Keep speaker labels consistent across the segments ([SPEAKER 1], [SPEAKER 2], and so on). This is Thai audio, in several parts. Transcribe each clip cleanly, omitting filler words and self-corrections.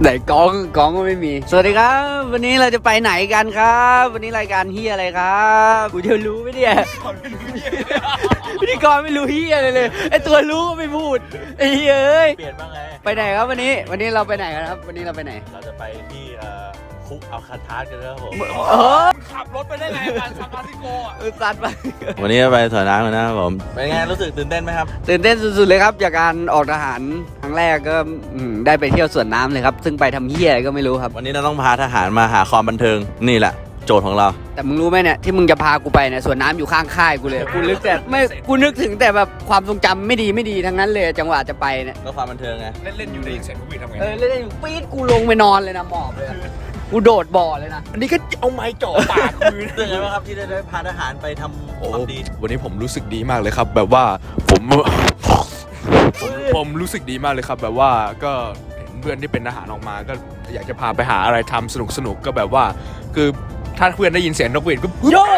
[SPEAKER 1] ไหนกองก็ไม่มีสวัสดีครับวันนี้เราจะไปไหนกันครับวันนี้รายการเฮียอะไรครับกูจะรู้ไหมเนี่ยพิธีกรไม่รู้เฮียเลยไอตัวรู้ก็ไม่พูดไอ้เฮียเอ้ย
[SPEAKER 2] เปลี่ยนบ้างไง
[SPEAKER 1] ไปไหนครับวันนี้เราไปไหนกันครับวันนี้เราไปไหน
[SPEAKER 2] เราจะไปที่คุกอัลคาทาสกันแล้วผม
[SPEAKER 3] ขับรถไปได้ไงซานฟรานซิสโกอ่ะ
[SPEAKER 1] สัตว์ไป
[SPEAKER 2] วันนี้ไปสวนน้ำกันนะครับผมเป็นไงรู้สึกตื่นเต้นไหมครับ
[SPEAKER 1] ตื่นเต้นสุดๆเลยครับจากการออกทหารครั้งแรกก็ได้ไปเที่ยวสวนน้ำเลยครับซึ่งไปทำเฮียอะไรก็ไม่รู้ครับ
[SPEAKER 2] วันนี้เราต้องพาทหารมาหาความบันเทิงนี่แหละโจทย์ของเรา
[SPEAKER 1] แต่มึงรู้ไหมเนี่ยที่มึงจะพากูไปเนี่ยสวนน้ำอยู่ข้างค่ายกูเลยกูนึกแต่ไม่กูนึกถึงแต่แบบความทรงจำไม่ดีทั้งนั้นเลยจังหวะจะไปเนี่ย
[SPEAKER 2] ก็ความบันเทิงไง
[SPEAKER 3] เล่นอยู่ได้ยินเสียงผู้บินทำไง
[SPEAKER 1] เล่นอยู่ปี๊ดกูลงไปนอนเลยนะหมอบเลยกูโดดบ่อเลยนะ
[SPEAKER 3] อันนี้ก็เอาไม้จ่อปากมือ
[SPEAKER 2] รู้สึกไงบ้างครับที่ได้พาทหารไปทำความดี
[SPEAKER 3] วันนี้ผมรู้สึกดีมากเลยครับแบบว่าผมรู้สึกดีมากเลยครับแบบว่าก็เห็นเพื่อนที่เป็นทหารออกมาก็อยากจะพาไปหาอะไรทำสนุกก็แบบว่าคือถ้าเพื่อนได้ยินเสียงนกหวีดก็
[SPEAKER 1] โยก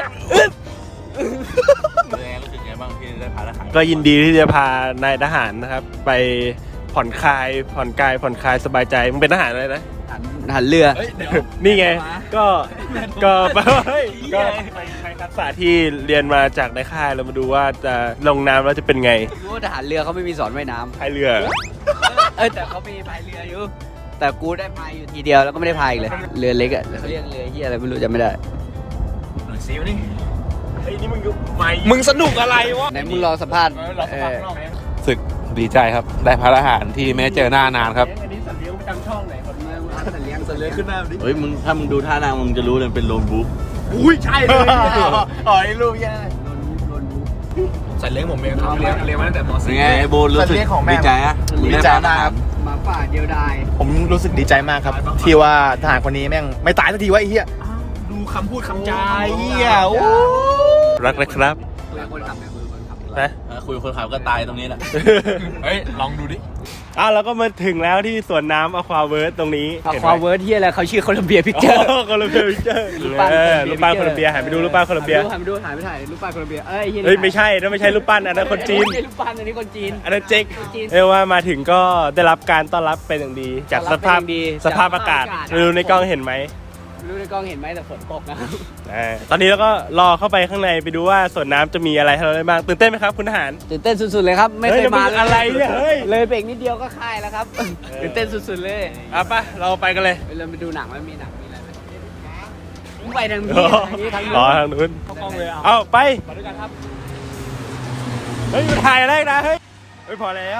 [SPEAKER 2] รู้สึกไงบ้างที่ได้พาทหาร
[SPEAKER 4] ก็ยินดีที่จะพานายทหารนะครับไปผ่อนคลายสบายใจมึงเป็นทหารอะไรนะ
[SPEAKER 1] หันเรือ
[SPEAKER 4] นี่ไงก็ไปทักษะที่เรียนมาจากในค่ายเรามาดูว่าจะลงน้ำแล้วจะเป็นไง
[SPEAKER 1] รู้ว่าทหารเรือเขาไม่มีสอนว่ายน้
[SPEAKER 4] ำพายเรือ
[SPEAKER 1] แต่เขามีพายเรืออยู่แต่กูได้พายอยู่ทีเดียวแล้วก็ไม่ได้พายเลยเรือเล็กอ่ะเขาเรียกเรือเฮียอะไรไม่รู้จำไม่ได้
[SPEAKER 2] หน่อยซิวนี่
[SPEAKER 4] ไอ้นี่
[SPEAKER 3] มึงสนุกอะไรวะ
[SPEAKER 1] ไหนมึงรอสัมภาษณ์
[SPEAKER 5] สึกดีใจครับได้พาทหารที่ไม่เจอหน้านานครับ
[SPEAKER 4] อันนี้สัตว์เลี้ยงประจำช่องไหนคนเมือง
[SPEAKER 1] สัตว์เลี้ยง
[SPEAKER 2] ขึ้นหน้าดิเฮ้ยมึงถ้ามึงดูท่านางมึงจะรู้เลยเป็นโลนบุ๊ก
[SPEAKER 3] อุ้ยใช่เลย
[SPEAKER 4] อ๋อไอ้ลูกแย่
[SPEAKER 3] สัตว์เลี้ยงผมเองเลี้ยงมาตั้งแต่ม.4
[SPEAKER 2] ไงไอ้โบรู้สึกดีใจอะ
[SPEAKER 5] ดีใจมากครับ
[SPEAKER 1] หมาป่าเดียวดาย
[SPEAKER 5] ผมรู้สึกดีใจมากครับที่ว่าทหารคนนี้แม่งไม่ตายสักทีวะไอ้เหี้ย
[SPEAKER 3] ดูคำพูดคำจา
[SPEAKER 5] เหี้ย
[SPEAKER 4] รักเลยครับ
[SPEAKER 2] นะคุยคนขับก็ตายตรงนี้แหละ
[SPEAKER 3] เฮ้ยลองดูดิ
[SPEAKER 4] แล้วก็มาถึงแล้วที่สวนน้ำอควาเวิร์สตรงนี้
[SPEAKER 1] อควาเวิร์สที่อะไรเขาชื่อโคลัมเบียพิกเจอร์
[SPEAKER 4] โคลัมเบียพิกเจอร์รูปปั้นโคลัมเบียหันไปดูรูปปั้นโคลัมเบีย
[SPEAKER 1] หันไปดูถ่ายรูปปั้นโคลัมเบีย
[SPEAKER 4] เฮ้ยไม่ใช่นั่นไม่ใช่รูปปั้นอันนั้นคนจีน
[SPEAKER 1] ไม่ใช่รูปปั้นอันนี้คนจีน
[SPEAKER 4] อันนั้นเจ๊กเรียกว่ามาถึงก็ได้รับการต้อนรับเป็นอย่างดีจากสภาพอากาศดูในกล้องเห็นไหม
[SPEAKER 1] รู้ในกล้องเห็นไหมแต่ฝนตกนะครับ
[SPEAKER 4] ตอนนี้เราก็รอเข้าไปข้างในไปดูว่าสวนน้ำจะมีอะไรให้เราได้บ้างตื่นเต้นไหมครับคุณทหาร
[SPEAKER 1] ตื่นเต้นสุดๆเลยครับไม่เคยมา
[SPEAKER 4] อะไรเนี่ยเฮ้ย
[SPEAKER 1] เลยเบรกนิดเดียวก็ค่ายแล้วครับตื่นเต้นสุดๆเลย
[SPEAKER 4] ป่ะเราไปกันเลย
[SPEAKER 1] เราไปดูหนังว่ามีหนังมีอะไรไหมไปทางนี้ทาง
[SPEAKER 4] นู้นเข้ากล้องเลยเอาไปด้วยกันครับเฮ้ยถ่ายอะไรนะเฮ้ยพอแล้ว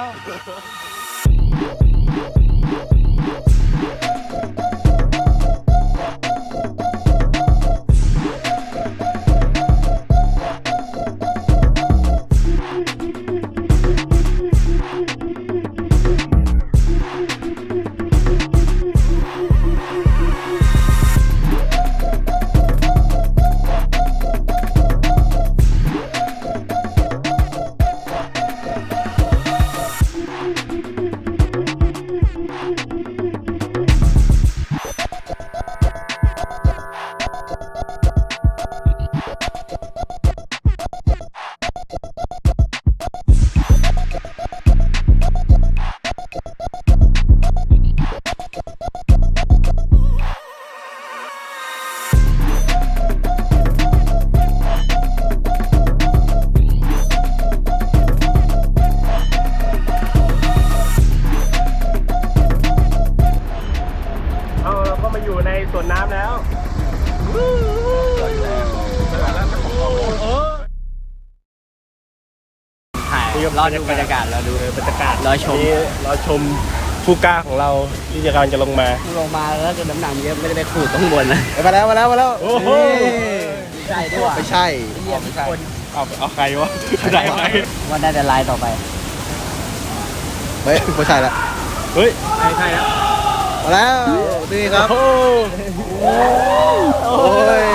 [SPEAKER 4] อยู่ในสวนน้ำแล้ว
[SPEAKER 1] รอดูบรรยากาศรอดู
[SPEAKER 4] บรรยากาศ
[SPEAKER 1] ร
[SPEAKER 4] อชมผู้กล้าของเราที่จะกำลังจะลงมา
[SPEAKER 1] แล้วก็น้ำหนักเยอะไม่ได้ไปขูดต้องบนนะ
[SPEAKER 5] มาแล้ว
[SPEAKER 4] โอ้โห
[SPEAKER 1] ไม่ใช่ด้วย
[SPEAKER 5] ไม่ใช่
[SPEAKER 4] เอาใครวะได้ไหม
[SPEAKER 1] ว่าได้แต่ลายต่อไป
[SPEAKER 5] ไม่ใช่ละ
[SPEAKER 4] เฮ้ย
[SPEAKER 1] ไม่ใช่แล้ว
[SPEAKER 5] มาแล้วนี่ครับโอ้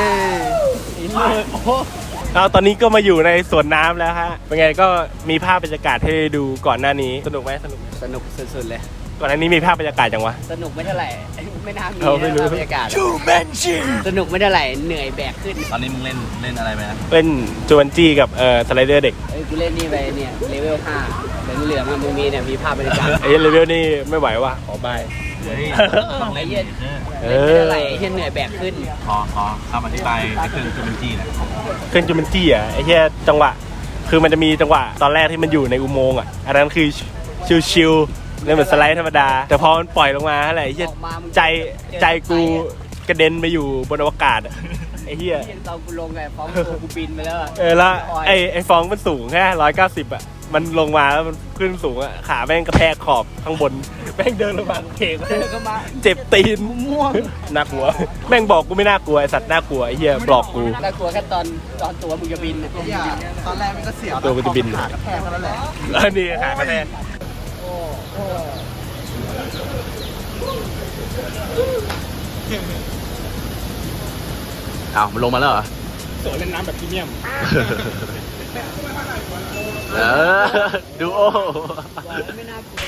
[SPEAKER 4] ยตอนนี้ก็มาอยู่ในสวนน้ำแล้วฮะเป็นไงก็มีภาพบรรยากาศให้ดูก่อนหน้านี้สนุกไหมสนุก
[SPEAKER 1] สุดๆเลย
[SPEAKER 4] ก่อนหน้านี้มีภาพบรรยากาศจังวะ
[SPEAKER 1] สนุกไม่เท่าไหร่ไม่น่ามีบรรยากาศสนุกไม่เท่าไหร่เหนื่อยแบกขึ้น
[SPEAKER 2] ตอนนี้มึงเล่นอะไรไปนะ
[SPEAKER 4] เล่นจูบันจี้กับสไลเดอร์เด็ก
[SPEAKER 1] กูเล่นนี่ไปเนี่ยเลเวล 5แต่เหลือมันมีเนี่ยมีภาพบรรยากาศ
[SPEAKER 4] เลเวลนี่ไม่ไหวว่ะขอบาย
[SPEAKER 2] เฮ้ยต้องเล่น
[SPEAKER 1] เล่นอะไรเฮียเหนื่อยแบกขึ้น
[SPEAKER 2] ขอคำอธิบายไอ้เครื่องจูเมนจี้นะ
[SPEAKER 4] เครื่องจูมันจี้อ่ะไอ้เหี้ยจังหวะคือมันจะมีจังหวะตอนแรกที่มันอยู่ในอุโมงค์อ่ะอันนั้นคือชิวๆเนี่ยเหมือนสไลด์ธรรมดาแต่พอมันปล่อยลงมาอะไรไอ้เหี้ยใจกูกระเด็นไปอยู่บนอวกาศอะไอ้เหี้ย
[SPEAKER 1] ตอนกูลงไงฟ้องตัวกูบินไปแล้ว
[SPEAKER 4] แล้วไอ้ฟองมันสูงแค่190อ่ะมันลงมาแล้วมันขึ้นสูงอ่ะขาแม่งกระแทกขอบข้างบนแม่งเดินลงมาเข่ง
[SPEAKER 1] ก็มา
[SPEAKER 4] เจ็บตีน
[SPEAKER 1] ม่วง
[SPEAKER 4] น่ากลัวแม่งบอกกูไม่น่ากลัวไอสัตว์น่ากลัวไอ้เหี้ยบอกกู
[SPEAKER 1] น่ากลัวแค่ตอนตัวมึงจะบิน
[SPEAKER 6] ตอนแรกมันก็เสียว
[SPEAKER 4] ตัวกูจะบิน
[SPEAKER 6] ขากระแทกแล้วแหละ
[SPEAKER 4] แล้วนี่ขากระแทก
[SPEAKER 2] อ้าวมันลงมาแล้วเหรอ
[SPEAKER 4] โสดเล่นน้ำแบบพรีเมียม
[SPEAKER 2] เออดูโอ
[SPEAKER 1] ไม่น่ากลัว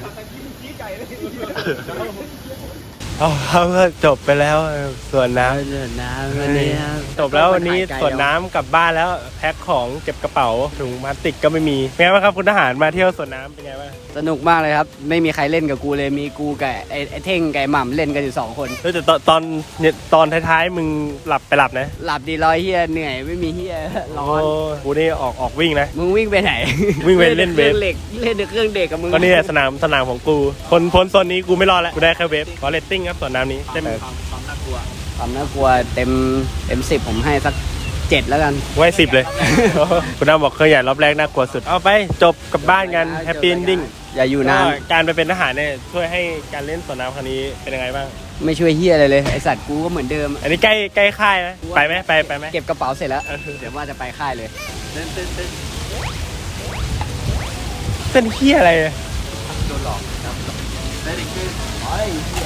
[SPEAKER 4] เอาก็จบไปแล้วส่วนน้ำ
[SPEAKER 1] เดินน้ำวันนี้
[SPEAKER 4] จบแล้ววันนี้ส่วนน้ำกลับบ้านแล้วแพ็คของเก็บกระเป๋าถุงพลาสติกก็ไม่มีเป็นไงบ้างครับคุณทหารมาเที่ยวสวนน้ำเป็นไงบ้าง
[SPEAKER 1] สนุกมากเลยครับไม่มีใครเล่นกับกูเลยมีกูกับไอ้เท่งกับไอ้หม่ำเล่นกันอยู่2 คน
[SPEAKER 4] แต่ตอนท้ายๆมึงหลับนะ
[SPEAKER 1] หลับดีร้อยเฮียเหนื่อยไม่มีเฮียร้อน
[SPEAKER 4] โกูนี่ออกวิ่งนะ
[SPEAKER 1] มึงวิ่งไปไหน
[SPEAKER 4] วิ่งไปเล่นเวฟ
[SPEAKER 1] ครื่องเหล็กเล่นเครื่องเด็กกับมึง
[SPEAKER 4] ก็นี่แหละสนามของกูพ้นโซนนี้กูไม่รอดแล้วกูได้แค่เวฟขอเรตติ้งครับสวนน้ำนี้เต็ม
[SPEAKER 1] ความน่ากลัวเต็ม10ผมให้สัก7แล้วกัน
[SPEAKER 4] ไว้10 เลย คุณน้าบอกเคยใหญ่รอบแรกน่ากลัวสุดเอาไปจบกลับบ้านกันแฮปปี้เอนดิ้ง
[SPEAKER 1] อย่าอยู่นาน
[SPEAKER 4] การไปเป็นทหารเนี่ยช่วยให้การเล่นสวนน้ำครั้งนี้เป็นยังไงบ้าง
[SPEAKER 1] ไม่ช่วยเฮียอะไรเลยไอสัตว์กูก็เหมือนเดิม
[SPEAKER 4] อันนี้ใกล้ค่ายไหมไปไหมไปไหม
[SPEAKER 1] เก็บกระเป๋าเสร็จแล้วเดี๋ยวว่าจะไปค่ายเลย
[SPEAKER 4] เป็นเฮียอะไรอะ
[SPEAKER 1] เ